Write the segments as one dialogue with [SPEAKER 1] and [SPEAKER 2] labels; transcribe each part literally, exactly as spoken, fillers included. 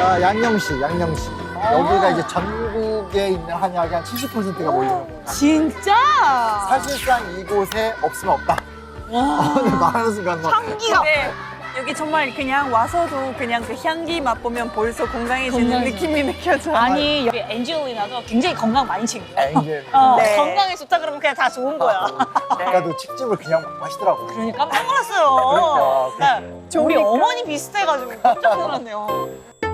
[SPEAKER 1] 자, 양령시, 양령시. 여기가 이제 전국에 있는 한약의 한 칠십 퍼센트가 몰리는 공간.
[SPEAKER 2] 진짜?
[SPEAKER 1] 사실상 이곳에 없으면 없다. 어, 네, 말하는 순간 막.
[SPEAKER 2] 향기가.
[SPEAKER 3] 네. 여기 정말 그냥 와서도 그냥 그 향기 맛보면 벌써 건강해지는
[SPEAKER 2] 건강해져.
[SPEAKER 3] 느낌이 느껴져.
[SPEAKER 2] 아니 여기 엔지올리나도 굉장히 건강 많이 챙겨.
[SPEAKER 1] 엔젤.
[SPEAKER 2] 어,
[SPEAKER 3] 네.
[SPEAKER 2] 건강에 좋다 그러면 그냥 다 좋은 거야.
[SPEAKER 1] 아까도 칡즙을 그냥 막 마시더라고.
[SPEAKER 2] 그러니까 깜짝 놀랐어요.
[SPEAKER 1] 그러니까.
[SPEAKER 2] 네. 우리
[SPEAKER 3] 좋으니까.
[SPEAKER 2] 어머니 비슷해가지고 깜짝 놀랐네요.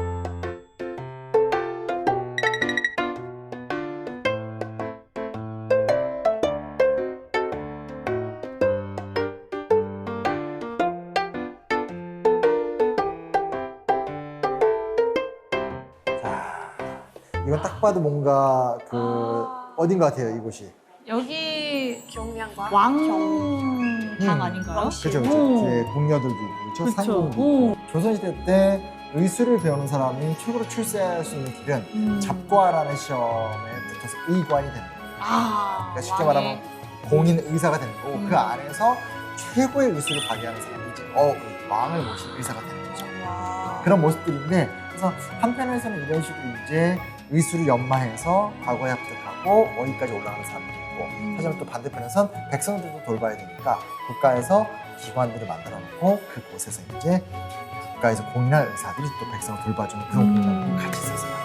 [SPEAKER 1] 자, 이건 딱 봐도 뭔가 그 어딘 것 같아요, 이곳이.
[SPEAKER 2] 여기
[SPEAKER 3] 경량과
[SPEAKER 2] 왕당
[SPEAKER 1] 음.
[SPEAKER 2] 아닌가요?
[SPEAKER 1] 그죠, 그죠.
[SPEAKER 2] 오.
[SPEAKER 1] 이제 궁녀들도 있고, 그렇죠?
[SPEAKER 2] 그쵸.
[SPEAKER 1] 상공도
[SPEAKER 2] 오.
[SPEAKER 1] 있고. 조선시대 때 의술을 배우는 사람이 최고로 출세할 수 있는 길은
[SPEAKER 2] 음.
[SPEAKER 1] 잡과라는 시험에 붙어서 의관이 되는 거예요.
[SPEAKER 2] 아,
[SPEAKER 1] 그러니까 쉽게
[SPEAKER 2] 왕의-
[SPEAKER 1] 말하면 공인 의사가 되는 거고
[SPEAKER 2] 음.
[SPEAKER 1] 그 안에서 최고의 의술을 발휘하는 사람이 이제 어, 그 왕을 모신 의사가 되는 거죠.
[SPEAKER 3] 와.
[SPEAKER 1] 그런 모습들인데 그래서 한편에서는 이런 식으로 이제 의술을 연마해서 과거에 합격하고 어디까지 올라가는 사람들이 있고
[SPEAKER 2] 음.
[SPEAKER 1] 하지만 또 반대편에선 백성들도 돌봐야 되니까 국가에서 기관들을 만들어 놓고 그곳에서 이제 국가에서 공인한 의사들이 또 백성을 돌봐주는 그런
[SPEAKER 2] 음.
[SPEAKER 1] 공간들이 같이 있었어요.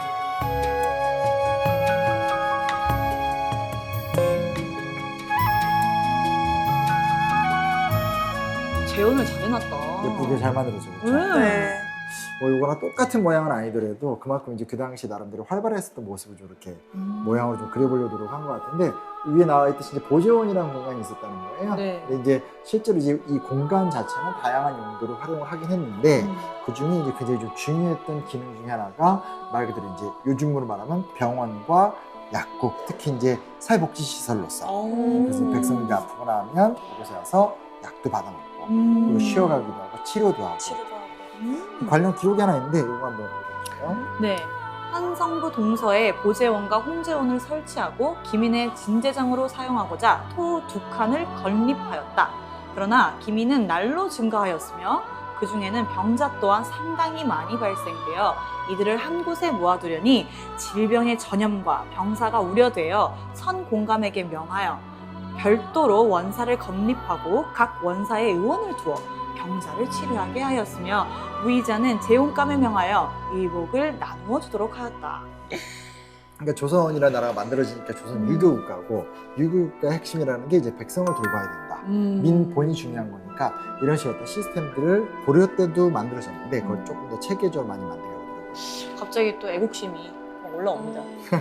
[SPEAKER 2] 재현을 잘 해놨다.
[SPEAKER 1] 예쁘게 잘 만들어져 그렇죠.
[SPEAKER 2] 네.
[SPEAKER 3] 네.
[SPEAKER 1] 뭐 이거랑 똑같은 모양은 아니더라도 그만큼 이제 그 당시 나름대로 활발했었던 모습을 좀 이렇게
[SPEAKER 2] 음.
[SPEAKER 1] 모양으로 좀 그려보려고 노력한 것 같은데 위에 나와 있듯이 이제 보재원이라는 공간이 있었다는 거예요.
[SPEAKER 2] 네.
[SPEAKER 1] 근데 이제 실제로 이제 이 공간 자체는 다양한 용도로 활용을 하긴 했는데
[SPEAKER 2] 음.
[SPEAKER 1] 그 중에 이제 굉장히 좀 중요했던 기능 중에 하나가 말 그대로 이제 요즘으로 말하면 병원과 약국, 특히 이제 사회복지 시설로서
[SPEAKER 2] 오.
[SPEAKER 1] 그래서 백성들이 아프거나 하면 이곳에 와서 약도 받아먹고
[SPEAKER 2] 음.
[SPEAKER 1] 그리고 쉬어가기도 하고 치료도 하고
[SPEAKER 3] 치료도 하고.
[SPEAKER 2] 음.
[SPEAKER 1] 관련 기록이 하나 있는데 이거 한번 볼게요.
[SPEAKER 2] 네. 한성부 동서에 보재원과 홍재원을 설치하고 기민의 진제장으로 사용하고자 토 두 칸을 건립하였다. 그러나 기민은 날로 증가하였으며 그 중에는 병자 또한 상당히 많이 발생되어 이들을 한 곳에 모아두려니 질병의 전염과 병사가 우려되어 선공감에게 명하여 별도로 원사를 건립하고 각 원사에 의원을 두어 병자를 치료하게 하였으며 무의자는 재혼감에 명하여 의복을 나누어 주도록 하였다.
[SPEAKER 1] 그러니까 조선이라는 나라가 만들어지니까 조선
[SPEAKER 2] 음.
[SPEAKER 1] 유교 국가고 유교 국가의 핵심이라는 게 이제 백성을 돌봐야 된다.
[SPEAKER 2] 음.
[SPEAKER 1] 민본이 중요한 거니까 이런 식의 어떤 시스템들을 고려 때도 만들어졌는데 그걸
[SPEAKER 2] 음.
[SPEAKER 1] 조금 더 체계적으로 많이 만들려고 하더라고요.
[SPEAKER 2] 갑자기 또 애국심이 올라옵니다.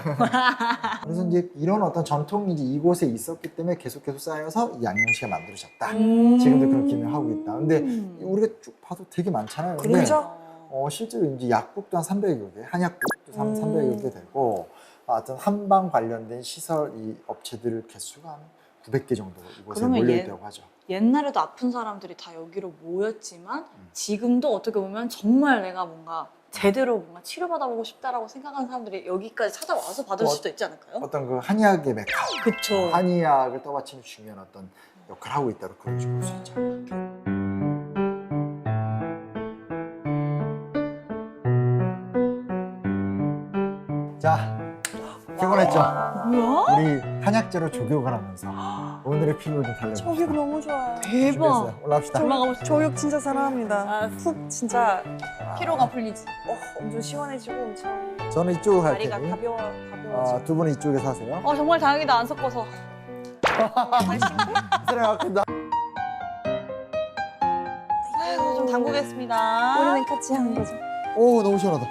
[SPEAKER 1] 그래서 이제 이런 어떤 전통이 이제 이곳에 있었기 때문에 계속 계속 쌓여서 이 양령시가 만들어졌다.
[SPEAKER 2] 음.
[SPEAKER 1] 지금도 그런 기능을 하고 있다. 근데
[SPEAKER 2] 음.
[SPEAKER 1] 우리가 쭉 봐도 되게 많잖아요. 근데
[SPEAKER 3] 그렇죠.
[SPEAKER 1] 어, 실제로 이제 약국도 한 삼백여 개, 한약국도 한
[SPEAKER 3] 음.
[SPEAKER 1] 삼백여 개 되고 어떤 한방 관련된 시설 이 업체들 개수가 한 구백 개 정도 이곳에
[SPEAKER 2] 그러면
[SPEAKER 1] 몰려
[SPEAKER 2] 얘-
[SPEAKER 1] 있다고 하죠.
[SPEAKER 2] 옛날에도 아픈 사람들이 다 여기로 모였지만
[SPEAKER 1] 음.
[SPEAKER 2] 지금도 어떻게 보면 정말 내가 뭔가 제대로 뭔가 치료받아보고 싶다라고 생각하는 사람들이 여기까지 찾아와서 받을
[SPEAKER 1] 어,
[SPEAKER 2] 수도 있지 않을까요?
[SPEAKER 1] 어떤 그 한의학의 메카,
[SPEAKER 2] 그쵸.
[SPEAKER 1] 한의학을 떠받치는 중요한 어떤 역할을 하고 있다고 그렇게 볼 수 있죠. 자, 피곤했죠?
[SPEAKER 2] 뭐야?
[SPEAKER 1] 우리 한약재로 조교를 하면서 오늘의 피로를 좀 달래봅시다.
[SPEAKER 3] 저격 너무 좋아요.
[SPEAKER 2] 대박.
[SPEAKER 1] 준비했어요. 올라갑시다.
[SPEAKER 2] 올라가고 싶어.
[SPEAKER 3] 저격 진짜 사랑합니다.
[SPEAKER 2] 아,
[SPEAKER 3] 푹 진짜
[SPEAKER 2] 피로가 풀리지.
[SPEAKER 3] 어, 엄청 시원해지고 엄청
[SPEAKER 1] 저는 이쪽으로 갈
[SPEAKER 3] 다리가
[SPEAKER 1] 테니
[SPEAKER 3] 가벼워 가벼워지고.
[SPEAKER 1] 아, 두 분은 이쪽에서 하세요.
[SPEAKER 2] 어 정말 다행이다 안 섞어서.
[SPEAKER 1] 사랑합니다.
[SPEAKER 2] 아이고 좀 담그겠습니다.
[SPEAKER 3] 우리는 같이 하는 거죠.
[SPEAKER 1] 오, 너무 시원하다.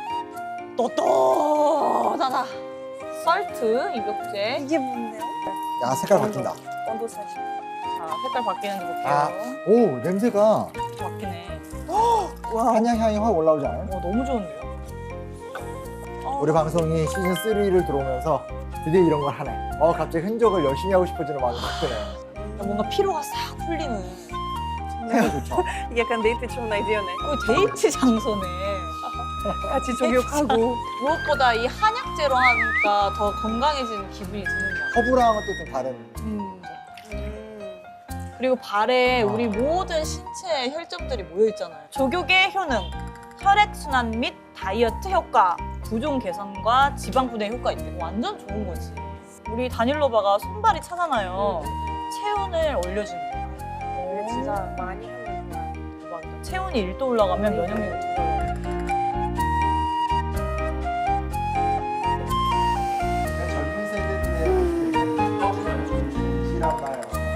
[SPEAKER 2] 또또하다. 썰트 입욕제.
[SPEAKER 3] 이게 뭔데요?
[SPEAKER 1] 야, 색깔 바뀐다.
[SPEAKER 3] 온도 사실.
[SPEAKER 2] 자 색깔 바뀌는지 볼게요.
[SPEAKER 1] 아, 오, 냄새가
[SPEAKER 2] 바뀌네.
[SPEAKER 3] 와.
[SPEAKER 1] 한약 향이 확 올라오지 않아요?
[SPEAKER 2] 어 너무 좋은데요?
[SPEAKER 3] 어,
[SPEAKER 1] 우리 방송이 시즌 쓰리를 들어오면서 드디어 이런 걸 하네. 어, 갑자기 흔적을 열심히 하고 싶어지는 마음이 확 드네.
[SPEAKER 2] 뭔가 피로가 싹 풀리는.
[SPEAKER 1] 향이 좋죠?
[SPEAKER 3] 이게 약간 데이트 좋은 아이디어네.
[SPEAKER 2] 그 데이트 장소네.
[SPEAKER 3] 같이 조격하고.
[SPEAKER 2] 무엇보다 이 한약재로 하니까 더 건강해지는 기분이 드는 것 같아요.
[SPEAKER 1] 허브랑은 또 좀 다른.
[SPEAKER 2] 음.
[SPEAKER 3] 음.
[SPEAKER 2] 그리고 발에
[SPEAKER 1] 아.
[SPEAKER 2] 우리 모든 신체 혈점들이 모여 있잖아요. 조격의 효능, 혈액순환 및 다이어트 효과, 부종 개선과 지방 분해 효과 있대. 완전 좋은 거지. 우리 다닐로바가 손발이 차잖아요. 체온을 올려준대.
[SPEAKER 3] 이게 진짜 많이 하는 거야.
[SPEAKER 2] 대박이다. 체온이 일 도 올라가면 면역력이 두 배 올라가.
[SPEAKER 1] 젊은 세대들의 실험나요.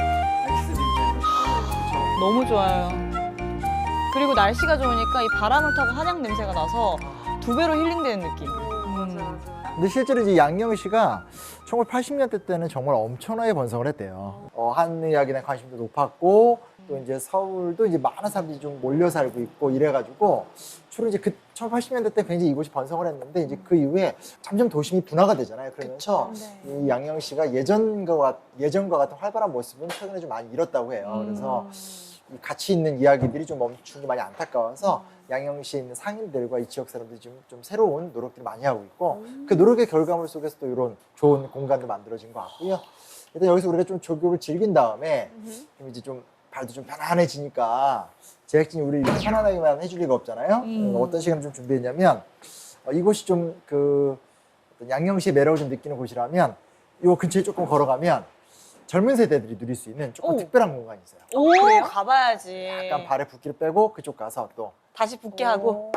[SPEAKER 2] 너무 좋아요. 그리고 날씨가 좋으니까 이 바람을 타고 한약 냄새가 나서 두 배로 힐링되는 느낌. 음.
[SPEAKER 1] 근데 실제로 이제 양영 씨가 천구백팔십 년대 때는 정말 엄청나게 번성을 했대요. 어, 한의학에 대한 관심도 높았고 또 이제 서울도 이제 많은 사람들이 좀 몰려 살고 있고 이래가지고 주로 이제 그 천구백팔십 년대 때 굉장히 이곳이 번성을 했는데 이제 그 이후에 점점 도심이 분화가 되잖아요. 그러면서
[SPEAKER 3] 네.
[SPEAKER 1] 이 양영 씨가 예전과 같- 예전과 같은 활발한 모습은 최근에 좀 많이 잃었다고 해요. 그래서 이 가치 있는 이야기들이 좀 멈춘 게 많이 안타까워서 양영시에 있는 상인들과 이 지역 사람들이 좀, 좀 새로운 노력들을 많이 하고 있고 그 노력의 결과물 속에서 또 이런 좋은 공간도 만들어진 것 같고요. 일단 여기서 우리가 좀 조교를 즐긴 다음에 좀 이제 좀 발도 좀 편안해지니까 제작진이 우리 이렇게 편안하게만 해줄 리가 없잖아요.
[SPEAKER 2] 음.
[SPEAKER 1] 어, 어떤 시간을 좀 준비했냐면 어, 이곳이 좀 그 양영시의 매력을 좀 느끼는 곳이라면 이 근처에 조금 걸어가면 젊은 세대들이 누릴 수 있는 조금
[SPEAKER 2] 오.
[SPEAKER 1] 특별한 공간이 있어요.
[SPEAKER 2] 오,
[SPEAKER 3] 그래요?
[SPEAKER 2] 가봐야지.
[SPEAKER 1] 약간 발에 붓기를 빼고 그쪽 가서 또
[SPEAKER 2] 다시 붙게 하고.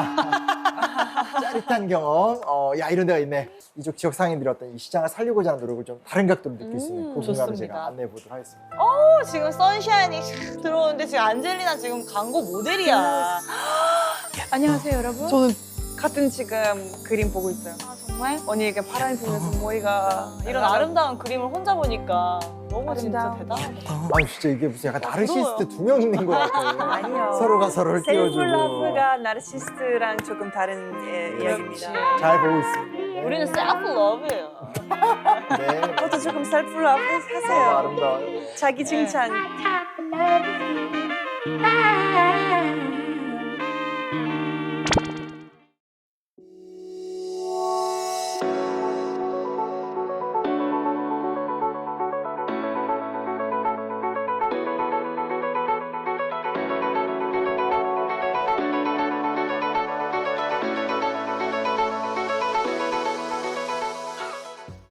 [SPEAKER 1] 짜릿한 경험, 어, 야 이런 데가 있네. 이쪽 지역 상인들이 어떤 이 시장을 살리고자 하는 노력을 좀 다른 각도로 느낄 수 있는 그 공간을
[SPEAKER 2] 좋습니다.
[SPEAKER 1] 제가 안내해 보도록 하겠습니다.
[SPEAKER 2] 어, 지금 선샤인이 샥 들어오는데 지금 안젤리나 지금 광고 모델이야.
[SPEAKER 3] 안녕하세요, 여러분. 저는 같은 지금 그림 보고 있어요.
[SPEAKER 2] 아, 정말?
[SPEAKER 3] 언니가 파란 보면서 머리가
[SPEAKER 2] 이런 아름다운 그림을 혼자 보니까 너무 진짜
[SPEAKER 3] 아름다운.
[SPEAKER 2] 대단하다.
[SPEAKER 1] 아 진짜 이게 무슨 약간 나르시스트
[SPEAKER 2] 부러워요.
[SPEAKER 1] 두 명 있는 것 같아요.
[SPEAKER 3] 아니요.
[SPEAKER 1] 서로가 서로를 띄워주고.
[SPEAKER 3] 셀프러브가 나르시스트랑 조금 다른 예, 이야기입니다.
[SPEAKER 1] 잘 보고 있습니다.
[SPEAKER 2] 우리는 셀프 러브예요.
[SPEAKER 1] 네.
[SPEAKER 3] 저도 조금 셀프러브
[SPEAKER 1] 너무
[SPEAKER 3] 하세요.
[SPEAKER 1] 아름다워요.
[SPEAKER 3] 자기 칭찬.
[SPEAKER 4] love you.